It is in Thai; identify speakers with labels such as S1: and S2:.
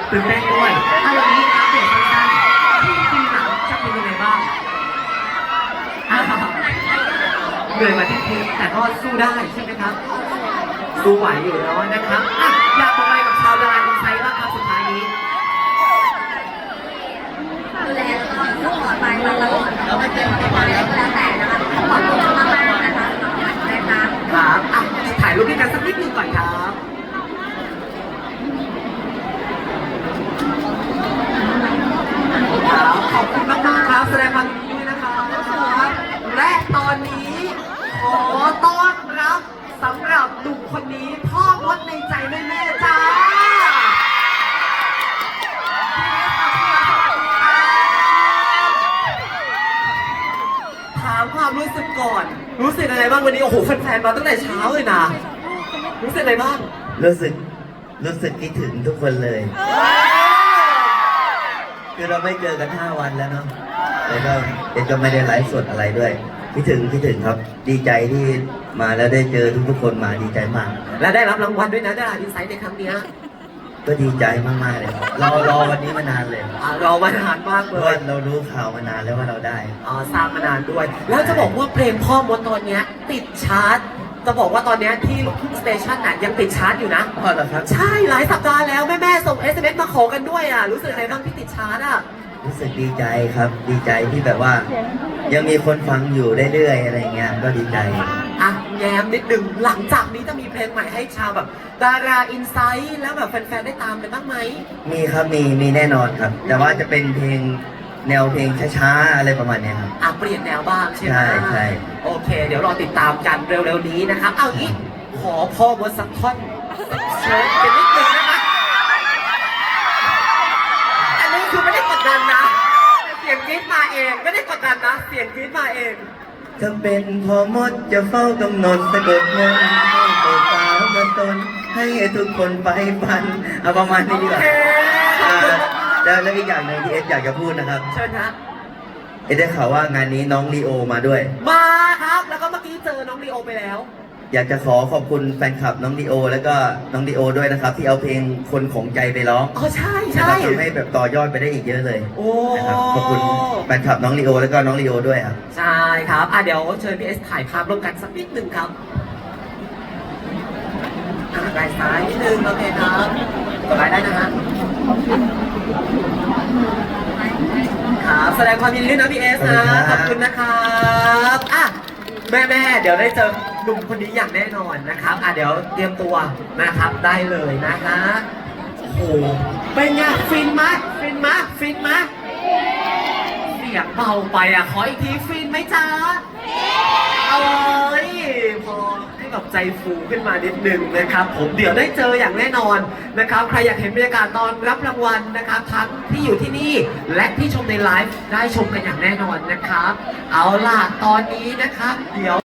S1: ตื่นเต้นด้วยเอาอย่างนี้อัปเดตสั้นๆที่ปีหลังจะเป็นยังไงบ้างเหนื่อยมาที่ทีแต่ก็สู้ได้ใช่ไหมครับสู้ไหวอยู่แล้วนะครับอยากบอกอะไรกับชาวดาราอินไซต์บ้างครับสุดท้ายนี้
S2: ดูแลแล้วก็สปอร์ตไปตลอดแล้วไม่เจออะไรก็แล้วแต่นะคะขอบคุณมากๆนะคะสำหรับการได้ครับ
S1: ถ่ายรูปด้วยกันสักนิดนึงก่อนครับขอบคุณมากๆครับแสดงความยินดีด้วยนะครับและตอนนี้ขอต้อนรับสำหรับหนุ่มคนนี้พ่อมดในใจแม่ๆจ้าถามความรู้สึกก่อนรู้สึกอะไรบ้างวันนี้โอ้โหแฟนๆมาตั้งแต่เช้าเลยนะรู้สึกอะไรบ้าง
S3: รู้สึกคิดถึงทุกคนเลยคือเราไม่เจอกัน5 วันแล้วเนาะแล้วก็เอ็ดก็ไม่ได้ไลฟ์สดอะไรด้วยคิดถึงครับดีใจที่มาแล้วได้เจอทุกคนมาดีใจมาก
S1: และได้รับรางวัลด้วยนะดาราอินไซต์ในครั้งนี้
S3: ก็ดีใจมากๆเลยครับรอวันนี้มานานเลย
S1: รอมานานมากเล
S3: ยเรารู้ข่าวมานานแล้วว่าเราได้
S1: ทราบมานานด้วยแล้วจะบอกว่าเพลงพ่อมดตอนนี้ติดชาร์ตจะบอกว่าตอนนี้ที่ลูกทุ่งสเตชันน่ะยังติดชาร์ตอยู่นะ
S3: เหรอครับ
S1: ใช่หลายสัปดาห์แล้วแม่ส่ง SMS มาขอกันด้วยรู้สึกอะไรบ้างที่ติดชาร์ต
S3: รู้สึกดีใจครับดีใจที่แบบว่ายังมีคนฟังอยู่เรื่อยๆอะไรเงี้ยก็ดีใจ
S1: แง้มนิดนึงหลังจากนี้จะมีเพลงใหม่ให้ชาวแบบดาราอินไซต์แล้วแบบแฟนๆได้ตามกันบ้างไหม
S3: มีครับมีแน่นอนครับแต่ว่าจะเป็นเพลงแนวเพลงช้าๆอะไรประมาณนี้ครับ
S1: เปลี่ยนแนวบ้างใช่ไหม
S3: ใช่
S1: โอเคเดี๋ยวรอติดตามกันเร็วๆนี้นะครับเอางี้ขอพ่อมดสักท่อนเชิญกันนิดนึงนะคะอันนี้คือไม่ได้กดดันนะเสียงกรี๊ดมาเองไม่ได้กดดันนะเสียงกรี๊ดมาเอง
S3: ถ้าเป็นพ่อมดจะเฝ้ากำหนดสะกดมนต์ให้ตัวสาวมาตนให้ทุกคนไปฟันเอาประมาณนี้ดีกว่าแล้วอีกอย่างหนึ่งที่เอสอยากจะพูดนะครับ
S1: เชิญนะ
S3: เอสได้ข่าวว่างานนี้น้องลีโอมาด้วย
S1: มาครับแล้วก็เมื่อกี้เจอน้องลีโอไปแล้ว
S3: อยากจะขอบคุณแฟนคลับน้องลีโอแล้วก็น้องลีโอด้วยนะครับที่เอาเพลงคนของใจไปร้อง
S1: ใช่
S3: ทำให้แบบต่อยอดไปได้อีกเยอะเลย
S1: โอ้
S3: นะครับขอบคุณแฟนคลับน้องลีโอแล้วก็น้องลีโอด้วยครับ
S1: ใช่ครับเดี๋ยวเชิญพี่เอสถ่ายภาพร่วมกันสักนิดหนึ่งครับได้ซ้ายนิดนึงโอเคครับต่อไปได้นะฮะครับแสดงความยินดีด้วยนะพี่เอสนะขอบคุณนะครับแม่เดี๋ยวได้เจอหนุ่มคนนี้อย่างแน่นอนนะครับเดี๋ยวเตรียมตัวนะครับได้เลยนะฮะโอ้โหเป็นไงฟินมะเสียงเบาไปขออีกทีฟินไหมจ๊ะพอให้แบบใจฟูขึ้นมานิดนึงนะครับผมเดี๋ยวได้เจออย่างแน่นอนนะครับใครอยากเห็นบรรยากาศตอนรับรางวัลนะครับทั้งที่อยู่ที่นี่และที่ชมในไลฟ์ได้ชมกันอย่างแน่นอนนะครับเอาล่ะตอนนี้นะครับเดี๋ยว